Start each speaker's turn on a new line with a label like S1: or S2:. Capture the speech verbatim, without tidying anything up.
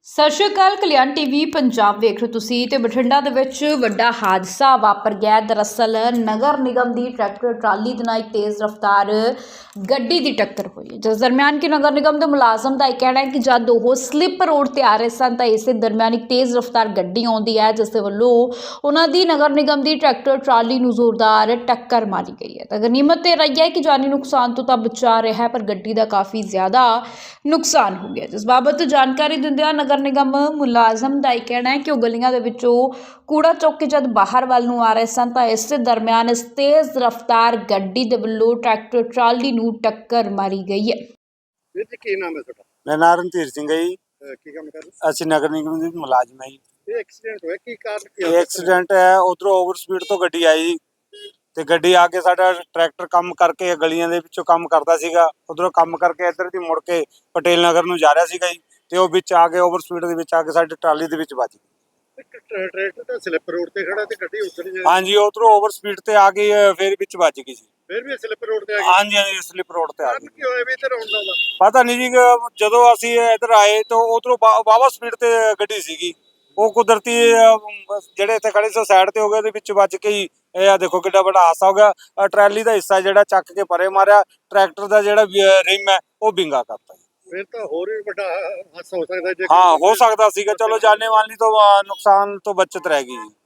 S1: ਸਤਿ ਸ਼੍ਰੀ ਅਕਾਲ। ਕਲਿਆਣ ਟੀਵੀ ਪੰਜਾਬ ਵੇਖ ਰਹੇ ਤੁਸੀਂ ਤੇ ਬਠਿੰਡਾ ਦੇ ਵਿੱਚ ਵੱਡਾ ਹਾਦਸਾ ਵਾਪਰ ਗਿਆ। ਦਰਅਸਲ ਨਗਰ ਨਿਗਮ ਦੀ ਟਰੈਕਟਰ ਟਰਾਲੀ ਦੇ ਨਾਲ ਇੱਕ ਤੇਜ਼ ਰਫ਼ਤਾਰ ਗੱਡੀ ਦੀ ਟੱਕਰ ਹੋਈ, ਜਿਸ ਦਰਮਿਆਨ ਕਿ ਨਗਰ ਨਿਗਮ ਦੇ ਮੁਲਾਜ਼ਮ ਦਾ ਇਹ ਕਹਿਣਾ ਹੈ ਕਿ ਜਦ ਉਹ ਸਲਿੱਪ ਰੋਡ ਤੇ ਆ ਰਹੇ ਸਨ ਤਾਂ ਇਸੇ ਦਰਮਿਆਨ ਇੱਕ ਤੇਜ਼ ਰਫ਼ਤਾਰ ਗੱਡੀ ਆਉਂਦੀ ਹੈ, ਜਿਸ ਦੇ ਵੱਲੋਂ ਉਹਨਾਂ ਦੀ ਨਗਰ ਨਿਗਮ ਦੀ ਟਰੈਕਟਰ ਟਰਾਲੀ ਨੂੰ ਜ਼ੋਰਦਾਰ ਟੱਕਰ ਮਾਰੀ ਗਈ ਹੈ। ਤਾਂ ਗਨੀਮਤ ਇਹ ਰਹੀ ਹੈ ਕਿ ਜਾਨੀ ਨੁਕਸਾਨ ਤੋਂ ਤਾਂ ਬਚਾ ਰਿਹਾ ਹੈ, ਪਰ ਗੱਡੀ ਦਾ ਕਾਫੀ ਜ਼ਿਆਦਾ ਨੁਕਸਾਨ ਹੋ ਗਿਆ। ਜਿਸ ਬਾਬਤ ਜਾਣਕਾਰੀ ਦਿੰਦਿਆਂ ਨਗਰ ਨਿਗਮ ਮੁਲਾਜ਼ਮ ਦਾ ਇਹ ਕਹਿਣਾ ਹੈ ਕਿ ਉਹ ਗਲੀਆਂ ਦੇ ਵਿੱਚੋਂ ਕੂੜਾ ਚੁੱਕ ਕੇ ਜਦ ਬਾਹਰ ਵੱਲ ਨੂੰ ਆ ਰਹੇ ਸਨ ਤਾਂ ਇਸੇ ਦਰਮਿਆਨ ਇਸ ਤੇਜ਼ ਰਫ਼ਤਾਰ ਗੱਡੀ ਦੇ ਵੱਲੋਂ ਟਰੈਕਟਰ ਟਰਾਲੀ ਨੂੰ ਟੱਕਰ ਮਾਰੀ ਗਈ ਹੈ।
S2: ਵੀਰ ਜੀ ਕੀ ਨਾਮ ਹੈ ਤੁਹਾਡਾ?
S3: ਮੇਰਾ ਨਾਮ ਰਣਧੀਰ ਸਿੰਘ ਹੈ ਜੀ।
S2: ਅਹ ਕੀ ਕੰਮ ਕਰਦੇ?
S3: ਅਸੀਂ ਨਗਰ ਨਿਗਮ ਦੇ ਮੁਲਾਜ਼ਮ ਹਾਂ ਜੀ।
S2: ਇਹ ਐਕਸੀਡੈਂਟ ਹੋਇਆ, ਕੀ ਕਾਰਨ ਕੀ
S3: ਇਹ ਐਕਸੀਡੈਂਟ ਹੈ, ਉਧਰੋਂ ਓਵਰ ਸਪੀਡ ਤੋਂ ਗੱਡੀ ਆਈ ਜੀ ਤੇ ਗੱਡੀ ਆ ਕੇ ਸਾਡਾ ਟਰੈਕਟਰ ਕੰਮ ਕਰਕੇ ਗਲੀਆਂ ਦੇ ਵਿੱਚੋਂ ਕੰਮ ਕਰਦਾ ਸੀਗਾ, ਉਧਰੋਂ ਕੰਮ ਕਰਕੇ ਇੱਧਰ ਦੀ ਮੁੜ ਕੇ ਪਟੇਲ ਨਗਰ ਨੂੰ ਜਾ ਰਿਹਾ ਸੀਗਾ ਜੀ ਤੇ ਉਹ ਵਿੱਚ ਆ ਕੇ ਓਵਰ ਸਪੀਡ ਦੇ ਵਿੱਚ ਆ ਕੇ ਸਾਡੀ ਟਰਾਲੀ ਦੇ ਵਿੱਚ ਵੱਜ ਗਈ।
S2: ਇੱਕ ਟਰੈ- ਟਰੈਕਟਰ ਤਾਂ ਸਲਿੱਪ ਰੋਡ ਤੇ ਖੜਾ ਤੇ ਗੱਡੀ ਉੱਧਰ ਹੀ
S3: ਹਾਂਜੀ, ਉਧਰੋਂ ਓਵਰ ਸਪੀਡ ਤੇ ਆ ਗਈ, ਫਿਰ ਵਿੱਚ ਵੱਜ ਗਈ ਸੀ।
S2: ਫਿਰ ਵੀ ਸਲਿੱਪ ਰੋਡ ਤੇ ਆ ਗਈ।
S3: ਹਾਂਜੀ ਹਾਂਜੀ, ਸਲਿੱਪ ਰੋਡ ਤੇ ਆ
S2: ਕਾਰਨ
S3: ਗਈ।
S2: ਕੀ ਹੋਇਆ ਵੀ ਇੱਧਰ ਆਉਣ ਦਾ?
S3: ਪਤਾ ਨਹੀਂ ਜੀ, ਜਦੋਂ ਅਸੀਂ ਇੱਧਰ ਆਏ ਤਾਂ ਉਧਰੋਂ ਵਾਵਾ ਸਪੀਡ ਤੇ ਗੱਡੀ ਸੀਗੀ, ਉਹ ਕੁਦਰਤੀ ਅਹ, ਜਿਹੜੇ ਇੱਥੇ ਖੜੇ ਸੀ ਸਾਈਡ ਤੇ ਹੋ ਗਏ, ਉਹਦੇ ਵਿੱਚ ਵੱਜ ਕੇ ਹੀ ਇਹ ਆ ਦੇਖੋ ਕਿੱਡਾ ਵੱਡਾ ਹਾਦਸਾ ਹੋ ਗਿਆ। ਆਹ ਟਰਾਲੀ ਦਾ ਹਿੱਸਾ ਜਿਹੜਾ ਚੱਕ ਕੇ ਪਰੇ ਮਾਰਿਆ, ਟਰੈਕਟਰ ਦਾ ਜਿਹੜਾ ਰਿਮ ਹੈ ਉਹ ਵਿੰਗਾ ਕਰਤਾ ਜੀ।
S2: ਫਿਰ ਤਾਂ ਹੋਰ ਵੀ ਵੱਡਾ ਹਾਦਸਾ ਹੋ ਸਕਦਾ ਜੇ
S3: ਹਾਂ, ਹੋ ਸਕਦਾ ਸੀਗਾ। ਚਲੋ ਜਾਨੇ ਮਾਲੀ ਤੋਂ ਅਹ, ਨੁਕਸਾਨ ਤੋਂ ਬਚਤ ਰਹਿ ਗਈ ਜੀ।